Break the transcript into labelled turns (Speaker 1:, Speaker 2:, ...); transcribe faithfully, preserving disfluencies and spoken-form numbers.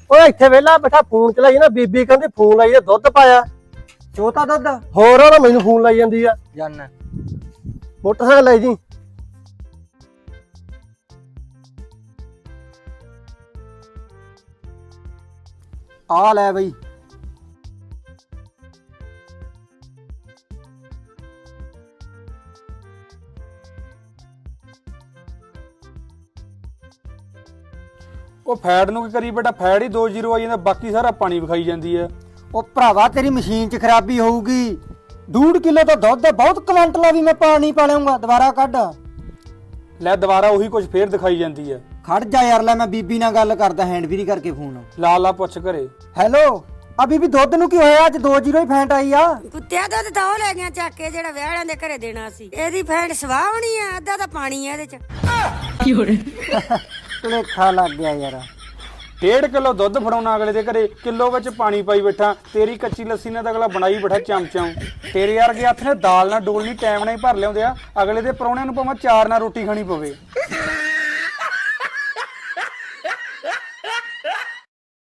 Speaker 1: ਓਏ ਇੱਥੇ ਵੇਲਾ ਬੈਠਾ ਫੋਨ ਚਲਾਈ ਨਾ, ਬੀਬੀ ਕਹਿੰਦੀ ਫੋਨ ਲਾਈ ਦੁੱਧ ਪਾਇਆ।
Speaker 2: ਚੋਤਾ ਦੁੱਧ
Speaker 1: ਹੋਰ ਉਹ ਮੈਨੂੰ ਫੋਨ ਲਾਈ ਜਾਂਦੀ ਆ।
Speaker 2: ਜਾਨਾ
Speaker 1: ਮੋਟਰਸਾਈਕਲ ਲੈ ਜੀ।
Speaker 2: ਆ ਲੈ ਬਈ।
Speaker 3: ਉਹ ਫੈਟ ਨੂੰ ਕੀ ਕਰੀ ਬੇਟਾ, ਫੈਟ ਹੀ ਦੋ ਜ਼ੀਰੋ ਆਈ ਜਾਂਦਾ, ਬਾਕੀ ਸਾਰਾ ਪਾਣੀ ਵਿਖਾਈ ਜਾਂਦੀ ਹੈ।
Speaker 2: ਉਹ ਭਰਾਵਾ ਤੇਰੀ ਮਸ਼ੀਨ 'ਚ ਖਰਾਬੀ ਹੋਊਗੀ। ਡੂਢ ਕਿਲੋ ਤਾਂ ਦੁੱਧ ਬਹੁਤ ਕੁਆਂਟਲ ਆ, ਵੀ ਮੈਂ ਪਾਣੀ ਪਾ ਲਿਆਉਂਗਾ। ਦੁਬਾਰਾ ਕੱਢ
Speaker 3: ਲੈ ਦੁਬਾਰਾ ਉਹੀ ਕੁਝ ਫੇਰ ਦਿਖਾਈ ਜਾਂਦੀ ਹੈ।
Speaker 2: ਖੜ ਜਾ ਯਾਰ, ਲੈ ਮੈਂ ਬੀਬੀ ਨਾਲ ਗੱਲ ਕਰਦਾ, ਹੈਂਡ ਫ੍ਰੀ ਕਰਕੇ ਫੋਨ।
Speaker 3: ਲਾ ਲਾ ਪੁੱਛ ਘਰੇ।
Speaker 2: ਹੈਲੋ ਆ ਬੀਬੀ, ਦੁੱਧ ਨੂੰ ਕੀ ਹੋਇਆ? ਅੱਜ ਦੋ ਜ਼ੀਰੋ ਹੀ ਫੈਂਟ ਆਈ ਆ।
Speaker 4: ਕੁੱਤਿਆ ਦੁੱਧ ਤਾਂ ਉਹ ਲੈ ਗਿਆ ਚੱਕ ਕੇ ਜਿਹੜਾ ਵਿਆਹਾਂ ਦੇ ਘਰੇ ਦੇਣਾ ਸੀ। ਇਹਦੀ ਫੈਂਟ ਸਵਾਹ ਹੋਣੀ ਆ, ਅੱਧਾ ਤਾਂ ਪਾਣੀ ਆ ਇਹਦੇ ਚ।
Speaker 2: ਭੁਲੇਖਾ ਲੱਗ ਗਿਆ ਯਾਰ।
Speaker 3: ਡੇਢ ਕਿਲੋ ਦੁੱਧ ਫੜਾਉਣਾ ਅਗਲੇ ਦੇ ਘਰੇ, ਕਿਲੋ ਵਿੱਚ ਪਾਣੀ ਪਾਈ ਬੈਠਾ। ਤੇਰੀ ਕੱਚੀ ਲੱਸੀ ਨਾਲ ਤਾਂ ਅਗਲਾ ਬਣਾਈ ਬੈਠਾ ਚਮਚਾਂ। ਤੇਰੇ ਵਰਗੇ ਹੱਥ ਨੇ ਦਾਲ ਨਾਲ ਡੋਲਣੀ ਟਾਈਮ ਨਾਲ ਹੀ ਭਰ ਲਿਆਉਂਦੇ ਆ। ਅਗਲੇ ਦੇ ਪਰੌਣਿਆਂ ਨੂੰ ਭਾਵੇਂ ਚਾਰ ਨਾਲ ਰੋਟੀ ਖਾਣੀ ਪਵੇ।